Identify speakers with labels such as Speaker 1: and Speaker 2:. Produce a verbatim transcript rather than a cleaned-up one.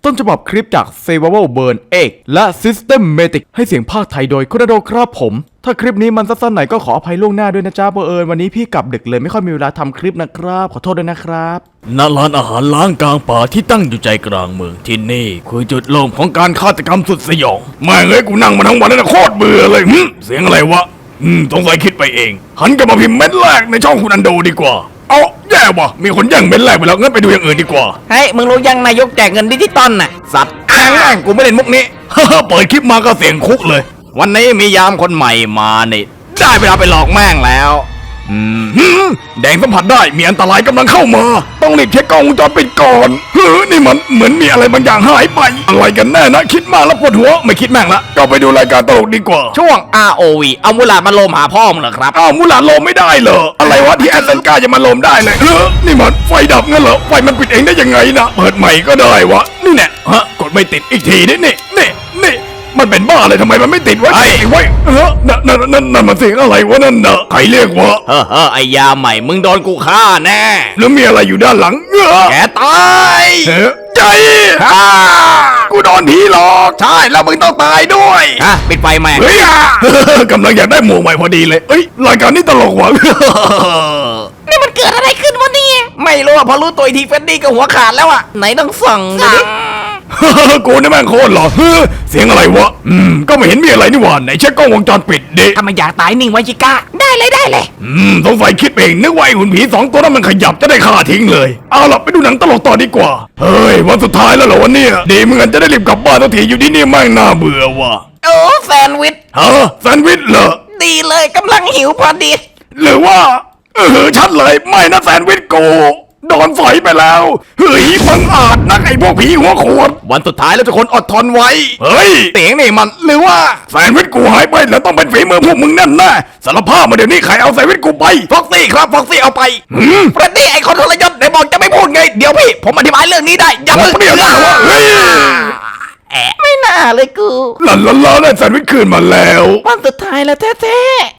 Speaker 1: ต้นฉบับคลิปจาก Survival Burn เอก และ Systematic ให้เสียงภาคไทยโดยคุณณโดครับผมถ้าคลิปนี้มันสั้นๆหน่อยก็ขออภัยล่วงหน้าด้วยนะจ๊ะเบอร์เอิญวันนี้พี่กลับดึกเลยไม่ค่อยมีเวลาทำคลิปนะครับขอโทษด้วยนะครับณร้านอาหารล้างกลางป่าที่ตั้งอยู่ใจกลางเมืองที่นี่คือจุดเริ่มของการฆาตกรรมสุดสยองแม่งเอ้ยกูนั่งมาทั้งวันแล้วนะโคตรเบื่อเลยหึเสียงอะไรวะอืมสงสัยคิดไปเองหันกลับมาพิมพ์เม็ดแรกในช่องคุณอันโดดีกว่าเอาแย่ว่ะมีคนแย่งเม็ดแรกไปแล้วงั้นไปดูอย่างอื่นดีกว่า
Speaker 2: เฮ้ยมึงรู้ยังนายกแจกเงินดิจิตอลน่ะสัตว์อ้างแม่งกูไม่เล่นมุกนี้
Speaker 1: ฮ่าเปิดคลิปมาก็เสียงคุกเลย
Speaker 2: วันนี้มียามคนใหม่มานี่ได้เวลาไปหลอกแม่งแล้ว
Speaker 1: อืมแดงสัมผัสได้มีอันตรายกำลังเข้ามาต้องรีบเช็คกล้องวงจรปิดก่อนเฮ้ยนี่มันเหมือนมีอะไรบางอย่างหายไปอะไรกันแน่นะคิดมากแล้วปวดหัวไม่คิดแม่งละก็ไปดูรายการตลกดีกว่า
Speaker 2: ช่วง อาร์ โอ วี เอามูลาดมาโลมหาพ่อมึงเหรอครับ
Speaker 1: อ้าวมูลาดโลมไม่ได้เหรออะไรวะที่แอสเซนกาจะมาโลมได้เลยเออนี่มันไฟดับงั้นเหรอไฟมันปิดเองได้ยังไงนะเปิดใหม่ก็ได้วะนี่แน่ฮะกดไม่ติดอีกทีนี่นี่นี่นี่มันเป็นบ้าเลยทำไมมันไม่ติดวะไอ้ไว้เออนั่นนั่นนั่นนั่นมันเสียงอะไรวะนั่นนะใครเรียกวะ
Speaker 2: เฮ้อเฮ้อไอ้ยาใหม่มึงโดนกูฆ่าแน่
Speaker 1: แล้วมีอะไรอยู่ด้านหลังเออ
Speaker 2: แกตาย
Speaker 1: เฮ้ใจฮ่ากูโดนผีหลอก
Speaker 2: ใช่แล้วมึงต้องตายด้วยฮะปิดไฟแม่ง
Speaker 1: เฮ้ยกำลังอยากได้หมวกใหม่พอดีเลยเอ้ยรายการนี้ตลกว่ะ
Speaker 2: นี่มันเกิดอะไรขึ้นวะเนี่ยไม่รู้อะพอรู้ตัวทีเฟนดี้ก็หัวขาดแล้วอะไหนต้องส่องดูดิ
Speaker 1: กูนี่แม่งโคตรหล่อเสียงอะไรวะอืมก็ไม่เห็นมีอะไรนี่หว่าไหนเช็คกล้องวงจรปิดดิ
Speaker 2: ถ้ามันอยากตายนิ่งไว้ชิก้าได้เลยได้เลย
Speaker 1: อืมสงสัยคิดเองนึกว่าไอ้หุ่นผีสองตัวนั้นมันขยับจะได้ฆ่าทิ้งเลยเอาล่ะไปดูหนังตลกต่อดีกว่าเฮ้ยวันสุดท้ายแล้วเหรอวันนี้ดีเหมือนกันจะได้รีบกลับบ้านทันทีอยู่ที่นี่แม่งน่าเบื่อว่ะ
Speaker 2: โอ้แซนด์วิช
Speaker 1: ฮะแซนด์วิชเหรอ
Speaker 2: ดีเลยกำลังหิวพอดี
Speaker 1: หรือว่าเออชัดเลยไม่นะแซนด์วิชโกโดนฝอยไปแล้วเฮ้ยบังอาจนักไอ้พวกผีหัวโขด
Speaker 2: วันสุดท้ายแล้วทุกคนอดทนไว้
Speaker 1: เฮ้ย
Speaker 2: เสียงนี่มันหรือว่า
Speaker 1: แซนด์วิชกูหายไปแล้วต้องเป็นฝีมือพวกมึงแน่แน่สารภาพมาเดี๋ยวนี้ใครเอาแซนด์วิชกูไป
Speaker 2: ฟ็อกซี่ครับฟ็อกซี่เอาไปเฟรดดี้ไอ้คนทรยศไหนบอกจะไม่พูดไงเดี๋ยวพี่ผมอธิบายเรื่องนี้ได้
Speaker 1: อย่าเพิ่งเดี๋ยวนะเฮ้ย
Speaker 2: ไม่น่าเลยกู
Speaker 1: หลันหลันหลันได้แซนด์วิชคืนมาแล้ว
Speaker 2: วันสุดท้ายแล้วแท้